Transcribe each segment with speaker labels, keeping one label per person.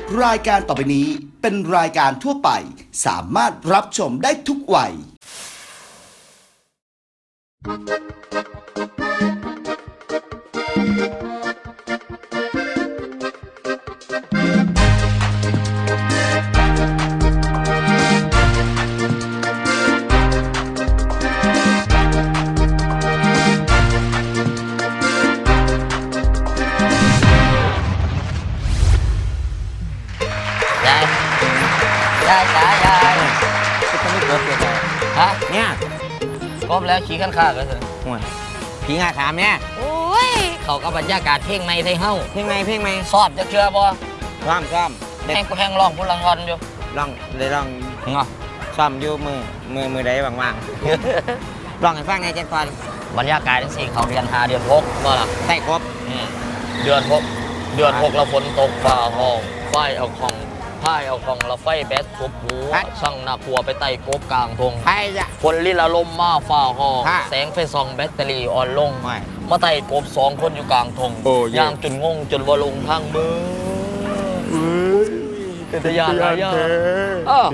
Speaker 1: รายการต่อไปนี้เป็นรายการทั่วไปสามารถรับชมได้ทุกวัย
Speaker 2: ยายจ๋ายาย
Speaker 3: จะไม่กบเลย
Speaker 2: ฮะ
Speaker 3: เนี่ย
Speaker 2: กบแล้วขี่ขั้นข้าก็เถอะ
Speaker 3: ห่วยผีงาขามเนี่ย
Speaker 2: โอ้ยเขากับบรรยากาศเพลงใหม่ไทยเฮ้า
Speaker 3: เพลงไหม
Speaker 2: สอบจะเชื่อบ่
Speaker 3: ซ้อม
Speaker 2: แห้งกูแห้งร้องกูลังงอนอยู่
Speaker 3: ลองเลยลอง
Speaker 2: เงาะ
Speaker 3: ซ้อมอยู่มือใดว่างๆลองให้ฟังไงเจ๊ก่อน
Speaker 2: บรรยากาศทั้งสี่เขาเดือน5เดือน6บ่ล่ะ
Speaker 3: ใส่กบ
Speaker 2: เดือน6เราฝนตกฝ่าห้องไฟเอาของพายเอาของเราไฟแบตทุบหัวช่างนาครัวไปไต่กบกลางทง
Speaker 3: ใครจะ
Speaker 2: คนลิลาลมมาฝ่าห้อง
Speaker 3: ฮะ
Speaker 2: แสงไฟส่องแบตเตอรี่อ่อนลง
Speaker 3: ไม่
Speaker 2: มาไต่กบ2 คนอยู่กลางทง
Speaker 3: โอ้เย่
Speaker 2: ย่างจนงงจนว่าลงทางมือเป็นทะยานหลายอย่างอ้าว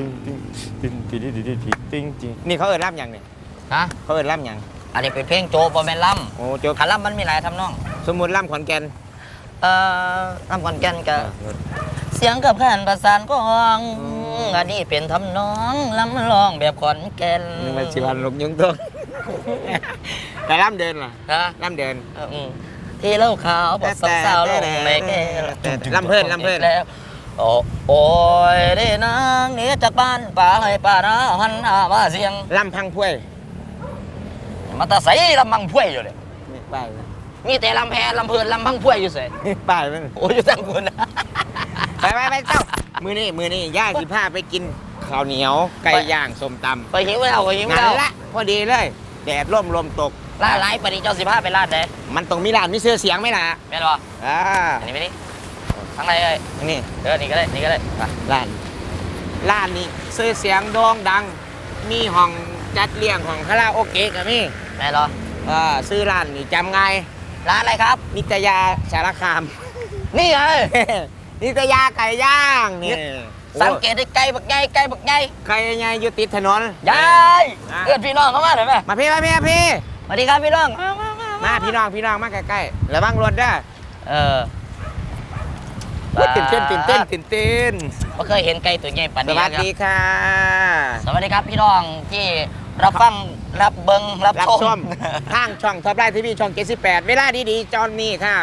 Speaker 3: นี่เขาเอิ้นล่ำยังเนี่ย
Speaker 2: ฮะ
Speaker 3: เขาเอิ้นล่ำยัง
Speaker 2: อันนี้เป็นเพลงโจบอแมนล่
Speaker 3: โอ้โจ๊ก
Speaker 2: ำขันล่ำมันมีหลายทำนอง
Speaker 3: สมมุติล่ำขอนแก่น
Speaker 2: ล่ำก่อนแกันกับเสียงกับขันประสานกลองอันนี้เป็นทำนองล่ำร้องแบบขอนแก่น
Speaker 3: นึกว่าสิวันลงยุงตัวแต่ล่ำเดินล่ะ
Speaker 2: ฮะ
Speaker 3: ล่ำเดิน
Speaker 2: ที่เล่าขาวบทสาวๆลงในแก้ว
Speaker 3: ลำเพิ่น
Speaker 2: แล้วโอ้ยได้นางหนี้จากบ้านป่าให้ป่านาหันหน้ามาเสียง
Speaker 3: ล่ำพังพวย
Speaker 2: มาตาใสลำบังพ่วยอยู่เลย
Speaker 3: นี่ป้าย
Speaker 2: มีแต่ลำแพลำเพลินลำพังพ่วยอยู่เสย
Speaker 3: ป้ายมัน
Speaker 2: โอ้ยอยู่ตั้งคนนะ
Speaker 3: ไปเจ้ามือนี่ย่าสิพาไปกินข้าวเหนียวไก่ย่างส้มตำ
Speaker 2: ไปหิวแล้วไปหิว
Speaker 3: นั่
Speaker 2: แล้
Speaker 3: น
Speaker 2: ว
Speaker 3: ละพอดีเลยแดดร่มลมตก
Speaker 2: ร้านไรปฏิเจ้า15ไปร้านไหน
Speaker 3: มันต้องมีร้านมีเสื้อเสียงไหมล่ะ
Speaker 2: แม่นบ่
Speaker 3: อ่า
Speaker 2: อันนี้ไม่นี่ทั้งไรเอ้ย
Speaker 3: นี่
Speaker 2: นี่ก็ได้นี่ก็ได้ไป
Speaker 3: ร้านนี้เสื้อเสียงโด่งดัง มีห้องจัดเลี้ยงห้องคาราโอเกะกับมี
Speaker 2: แม่นเหรอ
Speaker 3: ซื้อร้านนี่จำง่าย
Speaker 2: ร้านอะไรครับ
Speaker 3: นิตยาสารคาม
Speaker 2: นี่ไง
Speaker 3: นิตยาไก่ย่างนี่
Speaker 2: สังเกตได้ไกลบักใหญ่ไกลบักใหญ่
Speaker 3: ไก่ย่างอยู่ติดถนน
Speaker 2: ยายเอื้อนพี่น้องเข้ามาหน่อยไหม
Speaker 3: มาพี่
Speaker 2: สวัสดีครับพี่น้อง
Speaker 3: มาพี่น้องมาใกล้ๆระวังรถเด้อ
Speaker 2: เออ
Speaker 3: ตื่นเต้น
Speaker 2: ไม่เคยเห็นไก่ตัวใหญ่ปาน
Speaker 3: ส
Speaker 2: นี้
Speaker 3: วัส
Speaker 2: ครับ
Speaker 3: ดีค่ะ
Speaker 2: สวัสดีครับพี่น้องที่รับฟังรับเบิงรับ
Speaker 3: รับ
Speaker 2: ช
Speaker 3: ช
Speaker 2: ม
Speaker 3: มทางช่องท็อปไลน์ทีวีช่อง78เวลาดีๆจอนนี้ค่ะ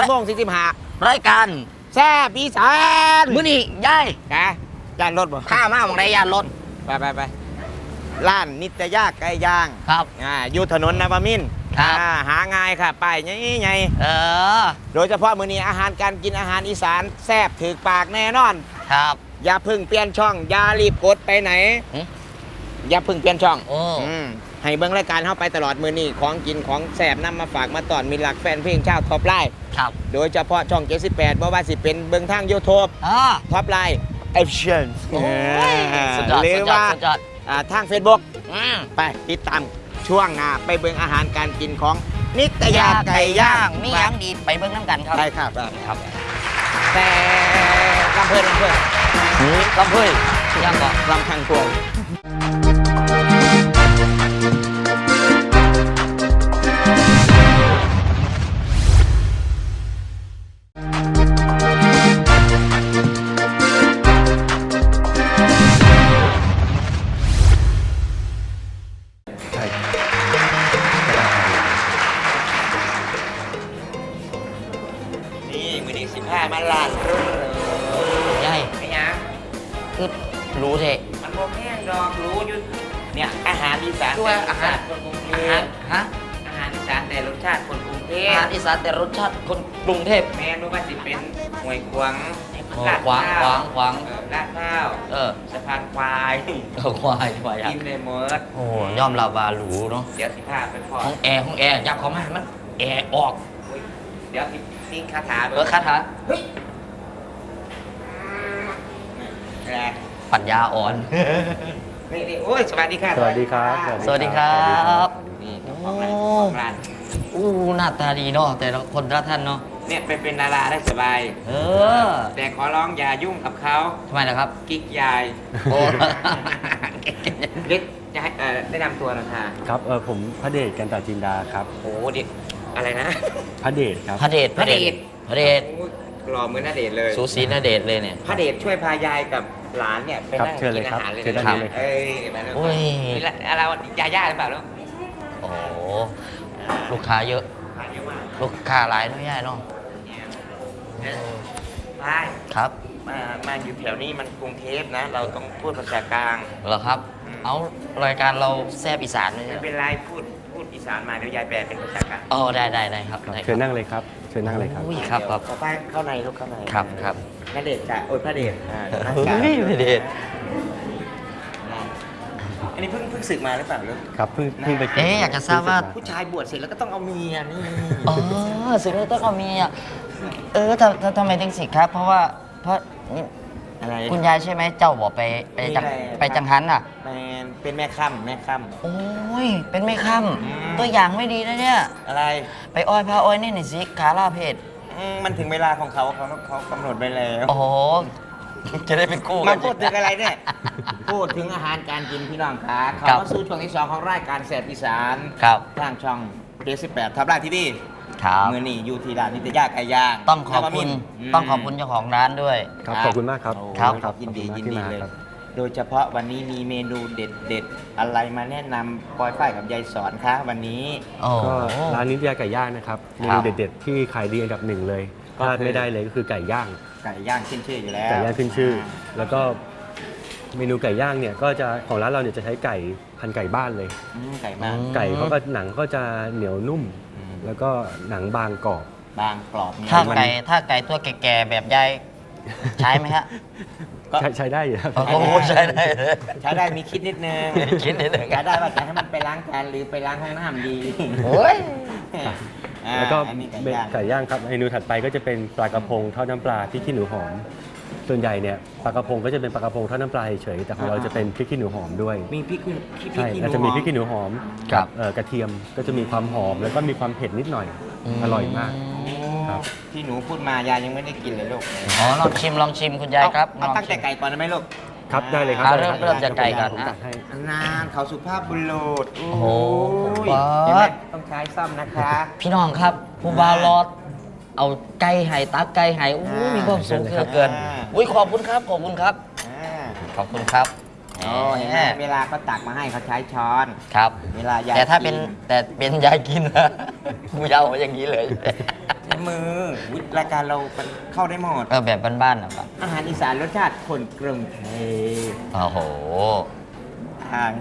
Speaker 3: 4:45
Speaker 2: รายการ
Speaker 3: แซ่บอีสาน
Speaker 2: มื้อนี้ยาย
Speaker 3: ค่ะจานรถบ่
Speaker 2: ข้ามาของไรยานรถ
Speaker 3: ไปร้านนิตยาไก่ย่าง
Speaker 2: ครับ
Speaker 3: อยู่ถนนนวมินทร์
Speaker 2: ครับ
Speaker 3: หาง่ายค่ะป้ายใหญ่
Speaker 2: เออ
Speaker 3: โดยเฉพาะมื้อนี้อาหารการกินอาหารอีสานแซ่บถึกปากแน่นอน
Speaker 2: ครับ
Speaker 3: อย่าเพึ่งเปลี่ยนช่องอย่ารีบกดไปไหน
Speaker 2: หึ
Speaker 3: อย่าเพึ่งเปลี่ยนช่อง
Speaker 2: โอ้
Speaker 3: ให้เบิ่งรายการเข้าไปตลอดมื้อนี้ของกินของแซ่บนำมาฝากมาตอนมีหลักแฟนเพลงชาวท็อปไลน์
Speaker 2: ครับ
Speaker 3: โดยเฉพาะช่อง78บ่ว่าสิเป็นเบิ่งทาง YouTube ท็อปไลน์เอฟชั่น
Speaker 2: โอ้ยสุดยอด
Speaker 3: หรื
Speaker 2: สุ
Speaker 3: อ
Speaker 2: ดยอด
Speaker 3: ว่า
Speaker 2: สุดยอด
Speaker 3: ทาง Facebook
Speaker 2: อืม
Speaker 3: ไปติดตามช่วงหน้าไปเบิ่งอาหารการกินของนิตยาไก่ย่าง
Speaker 2: มีหยังดีไปเบิ่งน้ำกันครับ
Speaker 3: ได้ครับ
Speaker 2: ครับ
Speaker 3: แต่ลำเพิ่น
Speaker 2: ลำเพื่ยยังบอก
Speaker 3: ลำทางพวงนี่มือนี้15มาล้าน
Speaker 2: ยาย
Speaker 3: ไม่ยัง
Speaker 2: คือรู้เถอะ
Speaker 3: มันโมแห้งดอกรู้อยู่เนี่ยอาหารอีสาน
Speaker 2: ด้วยอาหาร
Speaker 3: คนกรุงเท
Speaker 2: อาหา
Speaker 3: พ
Speaker 2: รฮะ
Speaker 3: อาหารอีสานแต่รสชาติคนกรุงเท
Speaker 2: อา
Speaker 3: พ
Speaker 2: หารอีสานแต่รสชาติคนกรุงเทพ
Speaker 3: แม่รู้ว่าสิเป็นหวยขวาง
Speaker 2: ขวางขวาง
Speaker 3: ลาดข้าว สะพานควาย
Speaker 2: ควายอยาก
Speaker 3: กินเลยหมด
Speaker 2: โอ้ยอมรับว่าหรูเนาะ
Speaker 3: เดี๋ยวสิพาไปพอ
Speaker 2: ห้องแอร์ยับเข้ามามันแอร์ออก
Speaker 3: อุ๊ยเดี๋ยวทิ้งคาถา
Speaker 2: คาถา
Speaker 3: แหละ
Speaker 2: ปัญญาอ่อน
Speaker 3: นี่โอ้ยสวัสดีค่ะ
Speaker 4: สวัสดีครับ
Speaker 2: สวัสดีครับ
Speaker 3: นี่เจ้าของร้าน
Speaker 2: อู้หน้าตาดีเนาะแต่ละคนละท่านเนาะ
Speaker 3: เเนี่ยไปเป็นดาราได้สบาย
Speaker 2: เออ
Speaker 3: แต่ขอร้องอย่ายุ่งกับเขา
Speaker 2: ทำไมล่ะครับ
Speaker 3: กิ๊กยาย
Speaker 2: โอ้
Speaker 3: เด็กจะให้แนะนำตัวหนะคะ
Speaker 4: ครับผมพระเดชกันตาจินดาครับ
Speaker 3: โอ้เด็กอะไรนะ
Speaker 4: พระเดชครับ
Speaker 2: พระเดช
Speaker 3: พระเดช
Speaker 2: พระเดช
Speaker 3: โอ้ยหล่อเหมือนณเดชน์เลย
Speaker 2: สูสีนาเดชเลยเนี่ย
Speaker 3: พระเดชช่วยพายายกับหลานเนี่ยไป
Speaker 4: ครับ
Speaker 3: นั่ง
Speaker 4: เชิญเล
Speaker 3: กิ
Speaker 4: ย
Speaker 3: น
Speaker 4: ครั
Speaker 3: อา
Speaker 4: บ
Speaker 3: หารเลย
Speaker 4: เชิญด้านนี้เลยครับ
Speaker 3: เอ้ยมาแล้ว
Speaker 2: โอ้ย
Speaker 3: นี่ละอะไรวะยาย่าหรือเปล่าลูก
Speaker 2: โอ้โหลูกค้าเยอะ
Speaker 3: ทานเยอะมาก
Speaker 2: ลูกค้าหลายน้อยใหญ่เนาะ
Speaker 3: เนี่ยใช่
Speaker 2: ครับ
Speaker 3: มาอยู่แถวนี้มันกรุงเทพนะ เราต้องพูดภาษากลาง
Speaker 2: เหรอครับ เอารายการเราแซบอีสานเลย
Speaker 3: ไม่เป็นไรพูดอีสานมาเดี๋ยวยายแปลเป็นภาษากลาง
Speaker 2: อ๋อได้ครับได้
Speaker 4: เชิญนั่งเลยครับเชิญนั่งเลยครับ
Speaker 2: อุ้ยครับครับ
Speaker 3: ขอไปเข้าในลูกเข้าใน
Speaker 2: ครับ
Speaker 3: ณเดชน์จ้ะโอ้ยพระเดชนั่ง
Speaker 2: เฮ้
Speaker 3: กลาง
Speaker 2: ยพระเดช
Speaker 3: อันนี้เพิ่งศึกมาหรือเปล่าลูก
Speaker 4: ครับเพิ่งไป
Speaker 2: เอ๊ะอยากจะทราบว่า
Speaker 3: ผู้ชายบวชเสร็จแล้วก็ต้องเอาเมียนี่
Speaker 2: อ๋อสึกแล้วต้องเอาเมียทำไมถึงสิครับ เพราะนี่
Speaker 3: อะไร
Speaker 2: คุณยายใช่ไหมเจ้าบอกไปจังหันอ่ะ
Speaker 3: เป็นแม่ค่ำ
Speaker 2: โอ้ยเป็นไม่ค่
Speaker 3: อืม
Speaker 2: ำตัวอย่างไม่ดีนะเนี่ย
Speaker 3: อะไร
Speaker 2: ไปอ้อยพาอ้อยนี่หน่อยสิขาล่าเพจ
Speaker 3: มันถึงเวลาของเขากำหนดไว้แล้ว
Speaker 2: โอ้โหจะได้เป็นคู่
Speaker 3: มาพูดถึงอะไรเนี่ย พูดถึงอาหารการกินพี่น้องคะเขามาสู่ช่วงที่ 2 ของรายการแสบอีสาน
Speaker 2: ครับ
Speaker 3: ทางช่องเด18ทับไลน์ทีวี
Speaker 2: ครับ
Speaker 3: มือนี่อยู่ที่ร้านนิตยาไก่ย่าง
Speaker 2: ต้องขอบคุณ
Speaker 3: ม
Speaker 2: ต้องขอบคุณเจ้าของร้านด้วย
Speaker 4: ครับขอบคุณมากครับ
Speaker 2: ครับ
Speaker 3: ยินดี
Speaker 4: ขอบ
Speaker 3: ยิน
Speaker 4: คุณ
Speaker 3: ดี
Speaker 4: มาก
Speaker 3: เลย
Speaker 4: ที่มาครับ
Speaker 3: โดยเฉพาะวันนี้มีเมนูเด็ดอะไรมาแนะนำปอยฝ้ายกับยายสอนคะวันนี้
Speaker 2: โอ้
Speaker 4: ก็ร้านนิตยาไก่ย่างนะครับเม
Speaker 2: ครั
Speaker 4: นู
Speaker 2: บ
Speaker 4: เด็ดๆที่ขายดีอันดับหนึ่งเลย
Speaker 3: ก็
Speaker 4: พลาด
Speaker 3: คือ
Speaker 4: ไม่ได้เลยก็คือไก่ย่าง
Speaker 3: ไก่ย่างขึ้นชื่ออยู่แล้ว
Speaker 4: ไก่ย่างขึ้นชื่อ แล้วก็เมนูไก่ย่างเนี่ยก็จะของร้านเราเนี่ยจะใช้ไก่พันธุ์ไก่บ้านเลย
Speaker 3: ไก่มาก
Speaker 4: ไก่เขาก็หนังก็จะเหนียวนุ่ม แล้วก็หนังบางกรอบ
Speaker 3: บางกรอบเนี่ย
Speaker 2: ถ้าไก่ตัวแก่ๆแบบยายใช้ไหมฮะ
Speaker 3: ก็
Speaker 4: ใช้ได้อยู่ครับ
Speaker 2: โอ้โหใช้ได้เลย
Speaker 3: ใช้ได้มีคิดนิดนึง
Speaker 2: คิดนิดนึง
Speaker 3: ใช้ได้ว่าจะให้มันไปล้างจานหรือไปล้างห้องน้ำดี
Speaker 2: โอ้ย
Speaker 4: แล้วก็
Speaker 3: อันนี้
Speaker 4: ไก่ย่างครับเมนูถัดไปก็จะเป็นปลากระพงทอดน้ำปลาพริกขี้หนูหอม ส่วนใหญ่เนี่ยปลากระพงก็จะเป็นปลากระพงทอดน้ำปลาเฉยๆแต่ของเราจะเป็นพริกขี้หนูหอมด้วย
Speaker 3: มีพริกขี้
Speaker 4: ใช่
Speaker 3: ขี้หนู
Speaker 4: เราจะมีพริกขี้หนูหอม
Speaker 2: ครั
Speaker 4: กับ กระเทียมก็จะมีความหอมแล้วก็มีความเผ็ดนิดหน่อย อร่อยมาก ครับ
Speaker 3: ที่หนูพูดมายายยังไม่ได้กินเลยลูก
Speaker 2: อ๋อลองชิมคุณยายครับ
Speaker 3: เอาตั้งแต่ไก่ก่อนได้ไหมลูก
Speaker 4: ครับได้เลยครับ
Speaker 2: อ่า
Speaker 4: ได้ลยคบ
Speaker 2: เริ่มจากไก่ก่อน
Speaker 4: ผม
Speaker 2: นะ
Speaker 4: ตัดให้
Speaker 3: นานเขาสุภาพบุรุษ
Speaker 2: โอ้โห
Speaker 3: ย
Speaker 2: ป๊าด
Speaker 3: เห็นไหมต้องใช้ซ่อมนะคะ
Speaker 2: พี่น้องครับผู้บ่าวรอด เอาไก่ไห่ตักไก่ไห่โอ้ยมีความสุขเหลือเกินอุ้ยขอบคุณครับขอบคุณครับ
Speaker 3: อ่า
Speaker 2: ขอบคุณครับ
Speaker 3: โอ้เห็นไหมเวลาเขาตักมาให้เขาใช้ช้อน
Speaker 2: ครับ
Speaker 3: เวลายาย
Speaker 2: แต่ถ้าเป็น
Speaker 3: กิน
Speaker 2: แต่เป็นยายกินนะกูจะเอาอย่างนี้เลย
Speaker 3: ใช้มืออุ๊ยรายการเราเข้าได้หมด
Speaker 2: แบบบ้านๆนะครับ
Speaker 3: อาหารอีสานรสชาติคนกรุงเทพ
Speaker 2: โอ้โห
Speaker 3: อ่า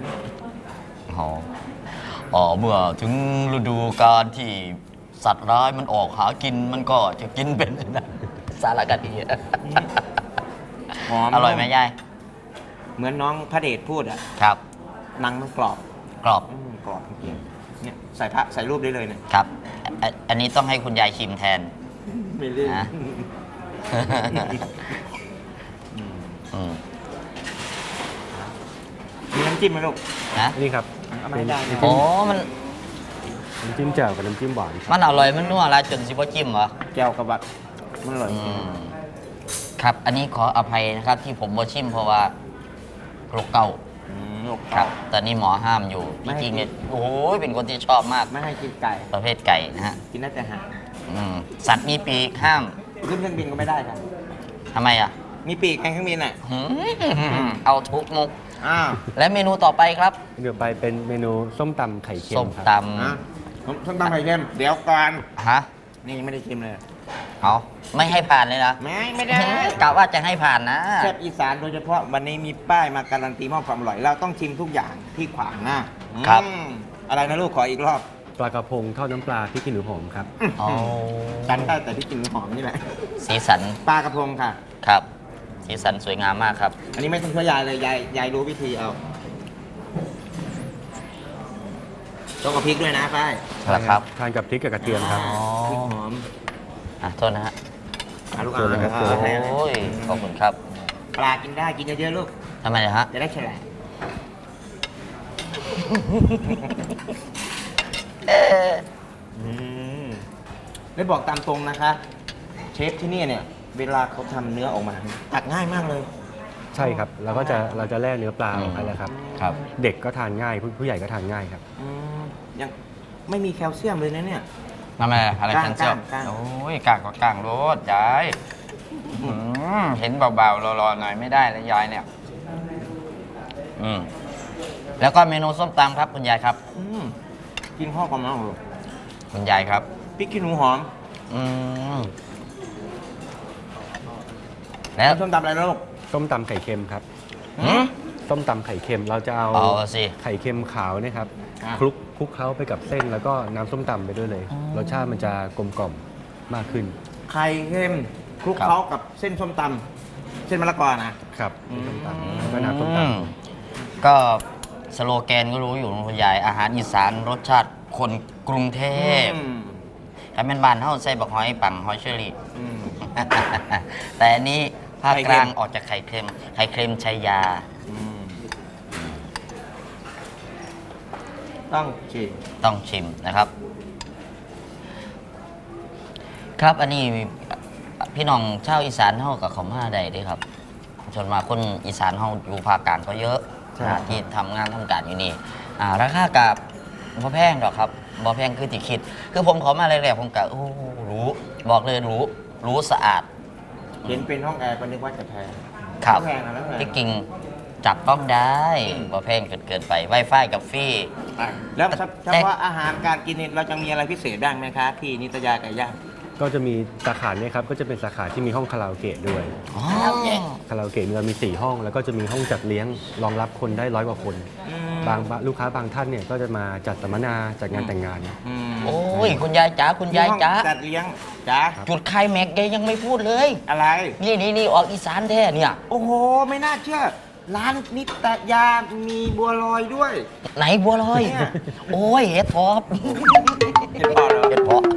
Speaker 2: เมื่อถึงฤดูกาลที่สัตว์ร้ายมันออกหากินมันก็จะกินเป็นนะสารคดี
Speaker 3: หอม
Speaker 2: อร่อยไหมยาย
Speaker 3: เหมือนน้องพระเดชพูดอ่ะ
Speaker 2: ครับ
Speaker 3: หนังมันกรอบ
Speaker 2: กรอบ
Speaker 3: กรอบจริงๆเนี่ยใส่พระใส่รูปได้เลยเนี่ย
Speaker 2: ครับอันนี้ต้องให้คุณยายชิมแทน
Speaker 3: ไม่เล่น
Speaker 2: นะ อืม
Speaker 3: มีน้ำจิ้มไหมลูก
Speaker 2: นะ
Speaker 4: นี่ครับ
Speaker 3: เอามาให้ได้นะ
Speaker 2: โอ้มัน
Speaker 4: น้ำจิ้มแจ่วกับน้ำจิ้มหวานครับ
Speaker 2: มันอร่อยมันนัวแล้วจนสิบ่จิ้มเหรอ
Speaker 3: แก้วกับบักมันอร่อย
Speaker 2: อืมครับอันนี้ขออภัยนะครับที่ผมบ่ชิมเพราะว่าโรคเก่า
Speaker 3: ลูก
Speaker 2: ครับตอนนี้หมอห้ามอยู่จริงๆเนี่ยโอ้ยเป็นคนที่ชอบมาก
Speaker 3: ไม่ให้กินไก่
Speaker 2: ประเภทไก่นะฮะ
Speaker 3: กินได้แต่หาง
Speaker 2: สัตว์มีปีกห้าม
Speaker 3: ขึ้นเครื่องบินก็ไม่ได้ครับ
Speaker 2: ทำไมอ่ะ
Speaker 3: มีปีกไงเครื่องบินอ่ะ
Speaker 2: หืมเอาทุกมุก
Speaker 3: อ้าว
Speaker 2: และเมนูต่อไปครับ
Speaker 4: เดี๋ยวไปเป็นเมนูส้มตำไข่เค็ม
Speaker 2: ส้ม
Speaker 4: ครับ
Speaker 2: ต
Speaker 3: ผมส้มตำไข่เค็มเดี๋ยวก่อน
Speaker 2: ำฮะ
Speaker 3: นี่ยังไม่ได้ชิมเลย
Speaker 2: เอาไม่ให้ผ่านเลยนะ
Speaker 3: ไม่ได้
Speaker 2: กะว่าจะให้ผ่านนะ
Speaker 3: แซ่บอีสานโดยเฉพาะวันนี้มีป้ายมาการันตีมอบความอร่อย เราต้องชิมทุกอย่างที่ขวางหน้า
Speaker 2: ครับ
Speaker 3: อะไรนะลูกขออีกรอบ
Speaker 4: ปลากระพงทอดน้ำปลาพริกขี้หนูหอมครับ
Speaker 2: เอา
Speaker 3: จันได้แต่ที่กินหอมนี่แหละ
Speaker 2: สีสัน
Speaker 3: ปลากระพงค่ะ
Speaker 2: ครับ สีสันสวยงามมากครับ
Speaker 3: อันนี้ไม่ต้องช่วยยายเลยยายรู้วิธีเอาต้องกับพริกด้วยนะป้าย
Speaker 2: ครับ
Speaker 4: ทานกับพริกกับกระเทียมครับ
Speaker 2: อ๋อ
Speaker 3: พริกหอม
Speaker 2: โทษนะฮะ
Speaker 3: ลูก
Speaker 4: เชิญเลยครับ
Speaker 2: โอ้ยขอบคุณครับ
Speaker 3: ปลากินได้กินเยอะๆลูก
Speaker 2: ทำไมนะฮะ
Speaker 3: จะได้แฉลง
Speaker 2: เอ๊ะ
Speaker 3: อืมได้บอกตามตรงนะคะ เชฟที่นี่เนี่ยเวลาเขาทำเนื้อออกมาตักง่ายมากเลย
Speaker 4: ใช่ครับเราจะแล่เนื้อปลาออกไปแล้วครับ
Speaker 2: ครับ
Speaker 4: เด็กก็ทานง่ายผู้ใหญ่ก็ทานง่ายครับ
Speaker 3: อืมยังไม่มีแคลเซียมเลยนะเนี่ย
Speaker 2: นั่นแหละอะไร
Speaker 3: กล้าง
Speaker 2: แคนเซียม
Speaker 3: กล้าง
Speaker 2: โอ้ยกล้างก็กล้างรสยายเห็นเบาๆรอๆหน่อยไม่ได้แล้วยายเนี่ยแล้วก็เมนูส้มตำครับคุณยายครับ
Speaker 3: กินข้าวกับน้ำเหรอ
Speaker 2: คุณยายครับ
Speaker 3: พริกขี้หนูหอม
Speaker 2: แล้ว
Speaker 3: ส้มตำอะไรนะลูก
Speaker 4: ส้มตำไข่เค็มครับ
Speaker 2: หืม
Speaker 4: ส้มตำไข่เค็มเราจะเอา
Speaker 2: เอาสิ
Speaker 4: ไข่เค็มขาวเนะครับ
Speaker 3: อ่ะ
Speaker 4: คลุกเคล้าไปกับเส้นแล้วก็น้ำส้มตำไปด้วยเลย รสชาติมันจะกลมกล่อมมากขึ้น
Speaker 3: ไข่เค็มคลุกเคล้ากับเส้นส้มตำเส้นมะละกอนะ
Speaker 4: ครับส้มตำแล้วก็น้ำส้มตำ
Speaker 2: ก็สโลแกนก็รู้อยู่นะคุณยายอาหารอีสานรสชาติคนกรุงเทพถ้าเป็นบ้านเฮาใส่บักหอยปังหอยเชอรี่ แต่อันนี้ภาค
Speaker 3: ไข่
Speaker 2: ก
Speaker 3: เค็ม
Speaker 2: ลางออกจากไข่เค็มไข่เค็มชัยยา
Speaker 3: ต้องชิม
Speaker 2: ต้องชิมนะครับ ครับอันนี้พี่น้องชาวอีสานเฮากับเขามาได้เด้ครับส่วนมากคนอีสานเฮาอยู่ภาคกลางก็เยอะที่ทำงานทำการอยู่นี่ราคากับบ่แพงดอกครับบ่แพงคือที่คิด คือผมเขามาแรกๆผมก็โอ้รู้บอกเลยรู้สะอาด
Speaker 3: เห็นเป็นห้องแอร์ก็นึกว่าจะแพง
Speaker 2: ครับ
Speaker 3: แพงนะแล้วแพง
Speaker 2: ที่จริงจับต้องได้บ่แพงเกินไปไวไฟกับฟรี
Speaker 3: แล้วเฉพาะอาหารการกินนี่เราจะมีอะไรพิเศษบ้างไหมคะที่นิตยาไก่ย่าง
Speaker 4: ก็จะมีสาขาเนี่ยครับก็จะเป็นสาขาที่มีห้องคาราโอเกะด้วย
Speaker 2: อ๋อ
Speaker 4: คาราโอเกะเรามี 4 ห้อง แล้วก็จะมีห้องจัดเลี้ยงรองรับคนได้100 กว่าคน บางลูกค้าบางท่านเนี่ยก็จะมาจัดสัมมนาจัดงานแต่งงาน
Speaker 2: โอ้ยคุณยายจ๋าคุณยายจ๋า
Speaker 3: ห้องจัดเลี้ยงจ้า
Speaker 2: จุดไคลแม็กซ์แกยังไม่พูดเลย
Speaker 3: อะไร
Speaker 2: นี่ออกอีสานแท้เนี่ย
Speaker 3: โอ้โห ไม่น่าเชื่อ ร้านนิตยามีบัวลอยด้วย
Speaker 2: ไหนบัวลอย
Speaker 3: เนี่ย
Speaker 2: โอ้ยเห็ดทอบ
Speaker 3: เห็นเปล่าเหรอ
Speaker 2: เห็ดเพาะ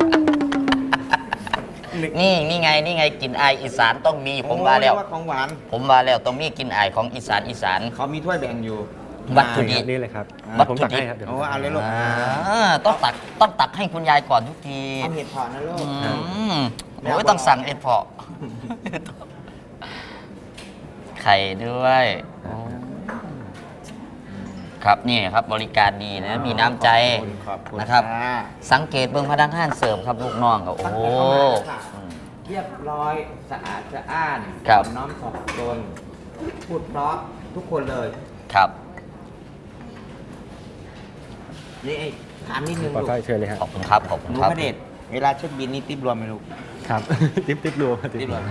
Speaker 2: นี่ไงกินอายอีสานต้องมีผมว่าแล้ว
Speaker 3: โอ้เรียกของหวาน
Speaker 2: ผมว่าแล้วต้องมีกินอายของอีสาน
Speaker 3: เขามีถ้วยแบ่งอยู่
Speaker 2: วัตถุดิบ
Speaker 4: นี่เลยครับ
Speaker 2: วัตถุ
Speaker 4: ผม
Speaker 2: ดิบ
Speaker 4: ตักให้ครับเดี๋ยว
Speaker 3: โอ้เอาเลยลูก
Speaker 2: ต้องตักให้คุณยายก่อนทุกที
Speaker 3: เอาเห็ดเผาะนะลูก
Speaker 2: โอ้ยต้องสั่งเห็ดเพาะไข่ด้วยครับนี่ครับบริการดีนะมีน้ำใจ
Speaker 3: ขอบคุณ
Speaker 2: นะครับ
Speaker 3: ค่ะ
Speaker 2: สังเกตเบื้องพนักงานเสิร์ฟครับลูกน้องครับโอ้โห
Speaker 3: เรียบร้อยสะอาดสะอ้าน
Speaker 2: ครับ
Speaker 3: น้อมสอบตนพูดเพราะทุกคนเลย
Speaker 2: ครับ
Speaker 3: นี่ไอ้ถามนิดนึง
Speaker 4: ปลอด
Speaker 3: ลูก
Speaker 4: ภัยเชิญเลยครับ
Speaker 2: ขอบคุณครับขอบ
Speaker 3: ห
Speaker 2: คุณ
Speaker 3: นู
Speaker 2: ครับ
Speaker 3: พระเดชเวลาเช็คบินนี่ติ๊บรวมไหมลูก
Speaker 4: ครับ ติ๊บรวม
Speaker 3: ติ๊บรวม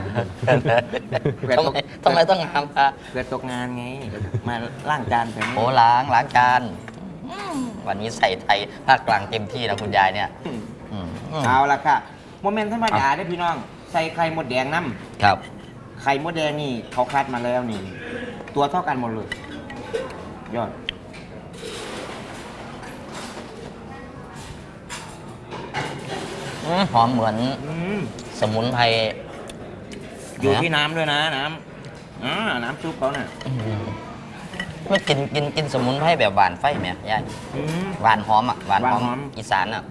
Speaker 2: ทำไมต้องทำอ่ะ
Speaker 3: เกิดตกงานไง มาล้างจานแบบนี้
Speaker 2: โอ้ล้างจานวันนี้ใส่ไทยภาคกลางเต็มที่นะคุณยายเนี่ยอืม
Speaker 3: เอาละค่ะโมเมนต์ธรรมดาได้อพี่น้อง ใส่ไข่มดแดงน้
Speaker 2: ครับ
Speaker 3: ำไข่มดแดงนี่เขาคัดมาแล้วนี่ ตัวเท่ากันหมดเลย ยอด
Speaker 2: หอมเหมือน
Speaker 3: อืม
Speaker 2: สมุนไพร
Speaker 3: อยู่ที่น้ำด้วยนะน้ำน้ำซุปเขาน่ะ
Speaker 2: ไม่กินสมุนไพรแบบหวานไฟไหมยาย
Speaker 3: อืม
Speaker 2: หวานหอมอ่ะหวานหอม
Speaker 3: หวานหอม
Speaker 2: อีสานอ่ะ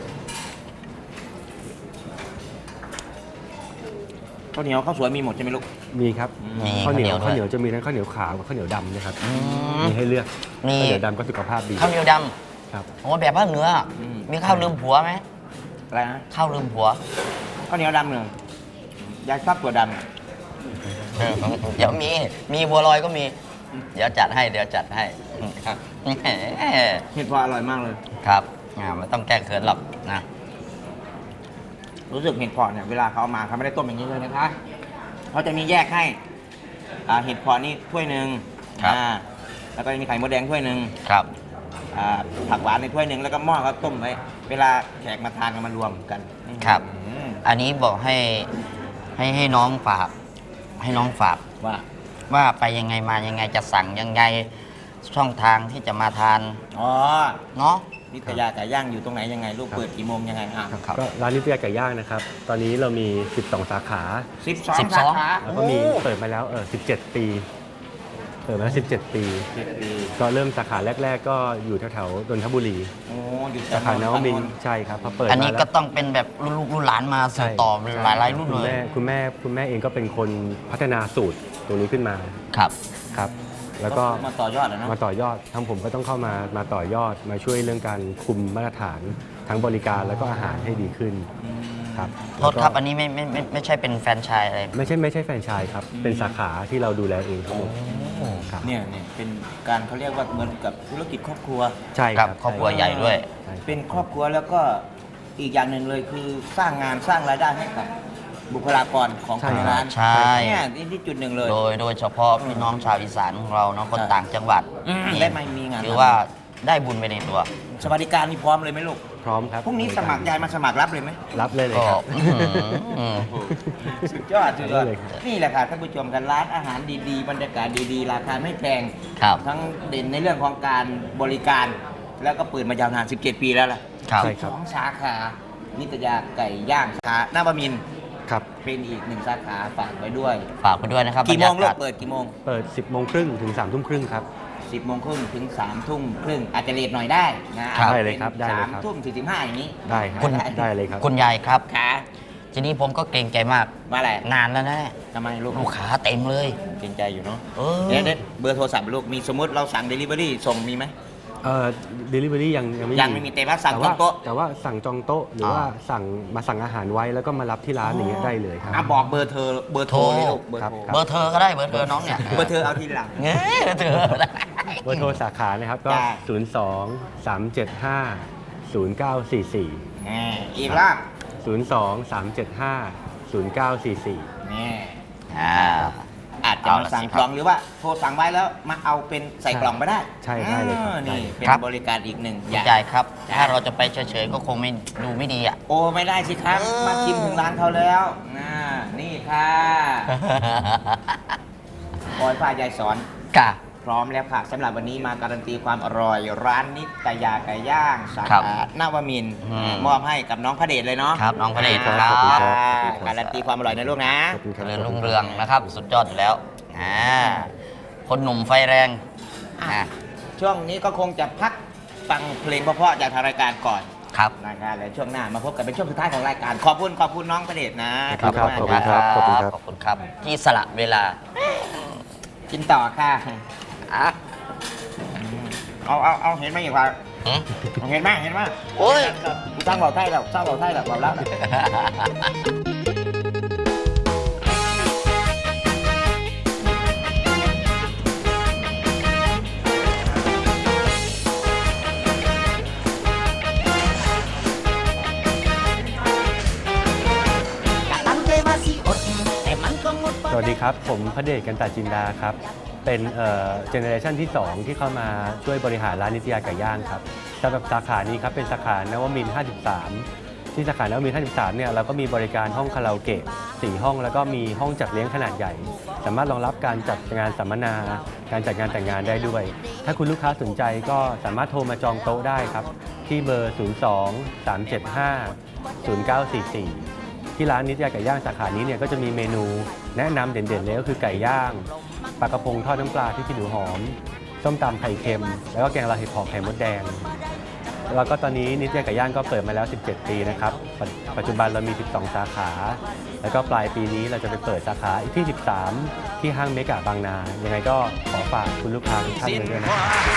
Speaker 3: ข้าวเหนียวข้าวสวยมีหมดใช่ไหมลูก
Speaker 4: มีครับ
Speaker 2: มี
Speaker 4: ข้าวเหนียว
Speaker 2: ด้
Speaker 4: ข้าว
Speaker 2: ย
Speaker 4: เหนียวจะมีทั้งข้าวเหนียวขาวกับข้าวเหนียวดำนะครับ
Speaker 2: อืม
Speaker 4: มีให้เลือก
Speaker 2: มี
Speaker 4: ข้าวเหนียวดำก็สุขภาพดี
Speaker 2: ข้าวเหนียวด
Speaker 4: ครับ
Speaker 2: ำโอ้แบบภาคเหนืออ่ะมีข้าวลืมผัวไหม
Speaker 3: อะไรนะ
Speaker 2: ข้าวลืมผัว
Speaker 3: ข้าวเหนียวดำหนึ่งยายชอบตัวด
Speaker 2: เดี๋ยวมีบัวลอยก็มี เดี๋ยวจัดให้ครับแหม
Speaker 3: ำเห็ดพออร่อยมากเลย
Speaker 2: ครับไม่ต้องแก้เขินหรอกนะ
Speaker 3: รู้สึกเห็ดเพาะเนี่ยเวลาเขาเอามาเขาไม่ได้ต้มอย่างนี้เลยนะคะเขาจะมีแยกให้เห็ดเพาะนี่ถ้วยหนึ่ง
Speaker 2: ครับ
Speaker 3: แล้วก็มีไข่มดแดงถ้วยหนึ่ง
Speaker 2: ครับ
Speaker 3: ผักหวานในถ้วยหนึ่งแล้วก็หม้อเขาต้มไว้เวลาแขกมาทานกันมารวมกัน
Speaker 2: ครับ
Speaker 3: อืม
Speaker 2: อันนี้บอกให้น้องฝากให้น้องฝาก
Speaker 3: ว่า
Speaker 2: ไปยังไงมายังไงจะสั่งยังไงช่องทางที่จะมาทาน
Speaker 3: อ๋อ
Speaker 2: เนาะ
Speaker 3: นิตยาไก่ย่างอยู่ตรงไหนยังไงลูกเปิดกี่โมงยังไงอ่ะ
Speaker 2: ครับ
Speaker 4: ก็ร้านนิตยาไก่ย่างนะครับ ตอนนี้เรามี 12 สาขา
Speaker 3: 12
Speaker 2: 12
Speaker 3: สาขา
Speaker 4: แล้วก็มีเปิดมาแล้ว17 ปีเปิดมา17 ปี
Speaker 3: 7 ปี
Speaker 4: ก็เริ่มสาขาแรก ๆ ก็อยู่แถวๆนนทบุรี
Speaker 3: โอ้อยู่
Speaker 4: สาขานวมินทร์ใช่ครับพอเปิด
Speaker 2: อันนี้
Speaker 4: มา
Speaker 2: ก็
Speaker 4: แล้ว
Speaker 2: ต้องเป็นแบบรุ่นลูกรุ่นหลานมาสืบต่อหลายๆรุ่น
Speaker 4: คุณ
Speaker 2: เลย
Speaker 4: คุณแม่เองก็เป็นคนพัฒนาสูตรตรงนี้ขึ้นมา
Speaker 2: ครับ
Speaker 4: ครับ แล้วก็
Speaker 3: มาต่อยอดแล้วเนาะ
Speaker 4: มาต่อยอดทางผมก็ต้องเข้ามาต่อยอดมาช่วยเรื่องการคุมมาตรฐานทั้งบริการแล้วก็อาหารให้ดีขึ้นครับ
Speaker 2: โทษครับ อันนี้ไม่ใช่เป็นแฟรนไชส์อะไร
Speaker 4: ไม่ใช่แฟรนไชส์ครับเป็นสาขาที่เราดูแลเองทั้งหมดครับ
Speaker 3: เนี่ยเป็นการเขาเรียกว่าเหมือนกับธุรกิจครอบครัว
Speaker 4: ใช่
Speaker 2: ค
Speaker 4: ค
Speaker 2: รั
Speaker 4: รั
Speaker 2: บบ ครอบครัวใหญ่ด้วย
Speaker 4: ใช่
Speaker 3: เป็นครอบครัวแล้วก็อีกอย่างหนึ่งเลยคือสร้างงานสร้างรายได้ให้กับบุคลากรของทางร้าน
Speaker 2: ใช่
Speaker 3: เนี่ยนี่จุดหนึ่งเลย
Speaker 2: โดยเฉพาะพี่น้องชาวอีสานของเราเนาะคน
Speaker 3: ใช่
Speaker 2: ต่างจังหวัด
Speaker 3: ได้ไม่มีงาน
Speaker 2: ถือว่าได้บุญไปในตัว
Speaker 3: สวัสดิการนี่พร้อมเลยไหมลูก
Speaker 4: พร้อมครับ
Speaker 3: พรุ่งนี้สมัครยายมาสมัครรับเลยไหม
Speaker 4: รับเลยเลย
Speaker 2: ก็
Speaker 4: ครับ
Speaker 3: สุดยอดสุดยอด
Speaker 4: ได้เลยครับ
Speaker 3: นี่แหละค่ะท่านผู้ชมกันร้านอาหารดีๆ บรรยากาศดีๆ ราคาไม่แพง
Speaker 2: ครับ
Speaker 3: ทั้งเด่นในเรื่องของการบริการ แล้วก็เปิดมายาวนาน 17 ปีแล้วล่ะ
Speaker 2: ครับ
Speaker 4: ใช่ครับ
Speaker 3: 2 สาขา นิตยาไก่ย่างสาขาหน้าบะมินทร์
Speaker 4: ครับ
Speaker 3: เป็นอีก 1 สาขาฝากไว้ด้วย
Speaker 2: ฝากไปด้วยนะครับ
Speaker 3: กี่โมง
Speaker 2: บรร
Speaker 3: ลู
Speaker 2: ยาก กาศ
Speaker 3: เปิดกี่โมง
Speaker 4: เปิด 10 โมงครึ่งถึง 3 ทุ่มครึ่งครับ
Speaker 3: 10 โมงครึ่งถึง 3 ทุ่มครึ่งอาจจะเลทหน่อยได้นะ
Speaker 4: ได้เลยครับได้เลยครับ
Speaker 3: 3 ทุ่ม 45 อย่างนี้
Speaker 4: ได้ครับ
Speaker 2: คุณ
Speaker 4: ได้เลยครับ
Speaker 2: คุณยายครับ
Speaker 3: ขา
Speaker 2: ทีนี้ผมก็เกรงใจมาก
Speaker 3: มาอะไร
Speaker 2: นานแล้วนะเนี่ย
Speaker 3: ทำไมลูก
Speaker 2: ลูกค้าเต็มเลย
Speaker 3: เกรงใจอยู่เนาะ
Speaker 2: เออ
Speaker 3: เดี๋ยวเบอร์โทรศัพท์ลูกมีสมมติเราสั่ง Delivery ส่งมีไหม
Speaker 4: delivery ยังไม่
Speaker 3: ยังไม่มีแต่ว่าสั่งจองโต๊ะ
Speaker 4: แต่ว่าสั่งจองโต๊ะหรือว่าสั่งอาหารไว้แล้วก็มารับที่ร้านอย่างเงี้ยได้เลยครับ
Speaker 3: อ่ะบอกเบอร์โทรเลยลูกเบอร์
Speaker 4: ครับ
Speaker 3: โทร
Speaker 2: เบอร์เธอก็ได้เบอร์เธอน้องเนี่ย
Speaker 3: เบอร์เธอเอาทีหลัง
Speaker 2: เงี้ยเธอได้
Speaker 4: เบอร์โทรสาขานะครับก็
Speaker 3: จ้า
Speaker 4: 02 375 0944
Speaker 3: อีกรอบ
Speaker 4: 02 375 0944
Speaker 3: นี่
Speaker 2: อ่า
Speaker 3: อาจจะมาสั่งกล่องหรือว่าโทรสั่งไว้แล้วมาเอาเป็นใส่กล่องไปได้
Speaker 4: ใช่ได้เลยครับ
Speaker 3: นี่
Speaker 4: ได้
Speaker 3: เป็น
Speaker 2: ครับ
Speaker 3: บริการอีกหนึ่งอ
Speaker 2: คุณ
Speaker 3: ย่าง
Speaker 2: ยายครับ
Speaker 3: จ้า
Speaker 2: ถ้าเราจะไปเฉยๆก็คงไม่ดูไม่ดีอ่ะ
Speaker 3: โอ้ไม่ได้สิครับ มาชิมถึงร้านเขาแล้วนี่ค่ะปอยฝ้ายยายสอน
Speaker 2: กะ
Speaker 3: พร้อมแล้วค่ะสำหรับวันนี้มาการันตีความอร่อย ร้านนิตยาไก่ย่างสา
Speaker 2: ครับ
Speaker 3: ขานวมินทร์
Speaker 2: อืม
Speaker 3: มอบให้กับน้องพระเดชเลยเนาะ
Speaker 2: ครับน้องพระเดช
Speaker 4: ค
Speaker 2: ค
Speaker 4: รั
Speaker 2: รั
Speaker 4: บบ ขอบคุณครับ
Speaker 3: การันตีความอร่อยนะลูกนะ
Speaker 4: ขอบคุณครับ
Speaker 2: เจริญรุ่งเรืองนะครับ สุดยอดอยู่แล้วคนหนุ่มไฟแรงอ่ะ
Speaker 3: ช่วงนี้ก็คงจะพักฟังเพลงเพราะๆจากทางรายการก่อน
Speaker 2: ครับ
Speaker 3: นะครับแล้วช่วงหน้ามาพบกันเป็นช่วงสุดท้ายของรายการ ขอบคุณน้องพระเดชนะ
Speaker 4: ขอบคุณครับ
Speaker 3: มาก
Speaker 4: ขอบคุณครับ
Speaker 2: ขอบคุณครับ ที่สละเวลา
Speaker 3: กินต่อค่ะ
Speaker 2: อ่ะ
Speaker 3: เอาเห็นไหมอีกว่า
Speaker 2: หืม
Speaker 3: เห็นไหม
Speaker 2: โอ้ย
Speaker 3: กูสร้างเบาไทยแล้วเบาแล้ว
Speaker 4: สวัสดีครับ ผมพระเดชกันตาจินดาครับ เป็นเจเนอเรชันที่ 2 ที่เข้ามาช่วยบริหารร้านนิตยาไก่ย่างครับสำหรับสาขานี้ครับเป็นสาขานวมินทร์53 ที่สาขานวมินทร์53เนี่ยเราก็มีบริการห้องคาราโอเกะ4 ห้องแล้วก็มีห้องจัดเลี้ยงขนาดใหญ่ สามารถรองรับการจัดงานสัมมนา การจัดงานแต่งงานได้ด้วย ถ้าคุณลูกค้าสนใจก็สามารถโทรมาจองโต๊ะได้ครับ ที่เบอร์ 02 375 0944 ที่ร้านนิตยาไก่ย่างสาขานี้เนี่ยก็จะมีเมนูแนะนำเด่นๆเลยก็คือไก่ย่างปลากระพงทอดน้ำปลาที่ขี้หนูหอมส้มตำไข่เค็ม แล้วก็แกงลาเห็ดหอมไข่มดแดง แล้วก็ตอนนี้นิตยาไก่ย่างก็เปิดมาแล้ว 17 ปีนะครับปัจจุบันเรามี 12 สาขา แล้วก็ปลายปีนี้เราจะไปเปิดสาขาที่ 13 ที่ห้างเมกะบางนา ยังไงก็ขอฝากคุณลูกค้าทุกท่านไว้ด้วยนะครับ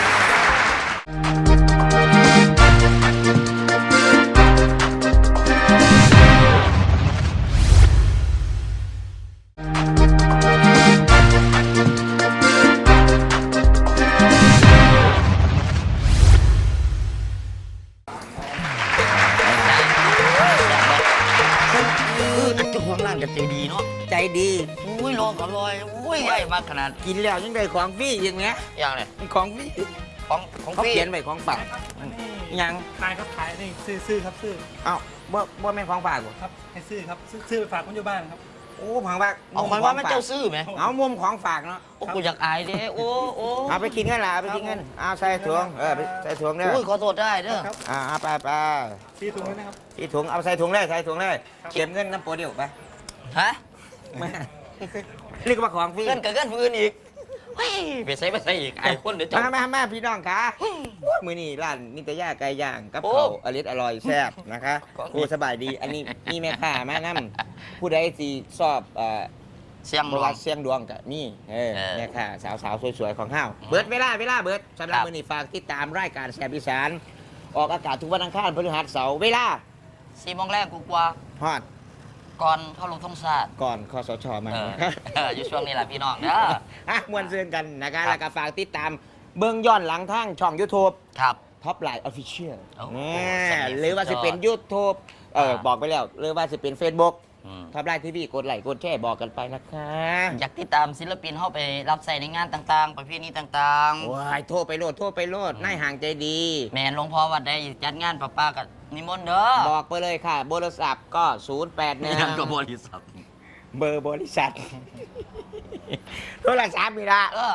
Speaker 2: อันเจ้าของร้านก็ใจดีเนาะ
Speaker 3: ใจดี
Speaker 2: อุ้ยรออร่อยอุ้ยใหญ่มากขนาด
Speaker 3: กินแล้วยังได้ของฟรีอย่างเงี้ย
Speaker 2: อย่างเนี่ย
Speaker 3: ของฟรี
Speaker 2: ของ
Speaker 3: เขา
Speaker 2: พี่
Speaker 3: เขียนไว้ของฝากยัง
Speaker 5: ขายครับขายนี่ซื้อครับซื้อ
Speaker 3: เอ้าบ่แม่นของฝากบ่
Speaker 5: ครับให้ซื้อครับซื้อไปฝากคนอยู่บ้านครับ
Speaker 3: โอ้ของฝาก
Speaker 2: เอาหมายว่ามันเจ้าซื้อไหม
Speaker 3: เอามุมของฝากเนาะ
Speaker 2: โอ้กูอยากอายเด้โอ้โอ้
Speaker 3: เอาไปกินกันล่ะเอาไปกินกันเอาใส่ถุงไปใส่ถุงเด้อ
Speaker 2: อุ้ยขอโทษได้เด้อ
Speaker 5: ครับ
Speaker 3: เอาไป
Speaker 5: ซื้อถุงไว้นะครับ
Speaker 3: ที่ถุงเอาใส่ถุงเลยเก็บเงินน้ำโปรเดียวไป
Speaker 2: ฮะ
Speaker 3: มานี่ก็มาของฟรี
Speaker 2: เกินกับเกินฟืนอีกเฮ้ยไปใส่อีกไอ้คนเดี๋ยวจะ
Speaker 3: มาพี่น้องคะมือนี่ร้านนิตยาไก่ย่างกับ
Speaker 2: โอ้
Speaker 3: เขาวอร่อยแซ่บนะคะ
Speaker 2: ก็มี
Speaker 3: โอ้สบายดี อันนี้มีแม่ค้ามานํผู้ใดสิชอบ
Speaker 2: เสียง
Speaker 3: ป
Speaker 2: หล
Speaker 3: ระ
Speaker 2: ว
Speaker 3: วั
Speaker 2: ง
Speaker 3: ติเสียงดวงกับนี่แม่ค้าสาวๆสวยๆของเฮา
Speaker 2: อืม
Speaker 3: เบิดเวลาเบิดสำหรับ
Speaker 2: ครับ
Speaker 3: มือนี่ฝากติดตามรายการแซ่บอีสานออกอากาศทุกวันอังคารพฤหัสเสาร์เวลา
Speaker 2: 4 โมงแรกกูกว่า
Speaker 3: ฮอด
Speaker 2: ก่อนเข้าลงทงศาสตร์
Speaker 3: ก่อนคสชมา
Speaker 2: อยู่ช่วงนี้แหละพี่น้องเด้อ
Speaker 3: อ่ะมวนเซือนกันนะคะแล้วก็ฝากติดตามเบื้องย้อนหลังทางช่อง YouTube
Speaker 2: ครับ
Speaker 3: ท็อปไลน์ออฟฟิเชียล
Speaker 2: โอ้โห
Speaker 3: หรือว่าจะเป็น YouTube บอกไปแล้วหรือว่าจะเป็น Facebook
Speaker 2: อืม
Speaker 3: ท็อปไลน์ทีวีกดไลค์กดแชร์บอกกันไปนะคะ
Speaker 2: อยากติดตามศิลปินเข้าไปรับใส่ในงานต่างๆ ประเพณีต่าง
Speaker 3: ว้ายโทรไปโลดนายห่างใจดี
Speaker 2: ๆ แม่นหลวงพ่อวัดได้จัดงานป้ากับนิมนต์เด้อ
Speaker 3: บอกไปเลยค่ะโทรศัพท์ก็ 081
Speaker 2: ยังกับบริษัท
Speaker 3: เบอร์บริษัท โทรศัพท์มีละ
Speaker 2: เอา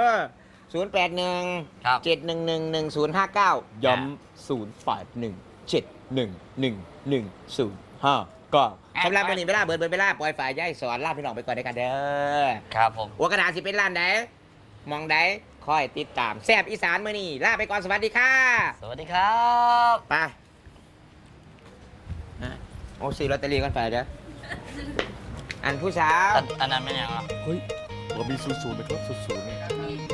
Speaker 3: 081
Speaker 2: ครับ
Speaker 3: 7111059ย้ำ081 7111059ก็สำหรับวันนี้เวลาเบิดเวลาปล่อยฝ่ายย่ายสอนลาพี่น้องไปก่อนด้วยกันเด้อ
Speaker 2: ครับผม
Speaker 3: หัวกระดาษสิเป็นร้านใดมองใดคอยติดตามแซบอีสานมื้อนี้ลาไปก่อนสวัสดีค่ะ
Speaker 2: สวัสดีครับ
Speaker 3: ไปโอ้ซื้อลอตเตอรี่กันไปเด้ออันผู้สาว
Speaker 2: อันนั้นไม่ยังอ่ะ
Speaker 5: เฮ้ยผมมี00นะครับ00เนี่ย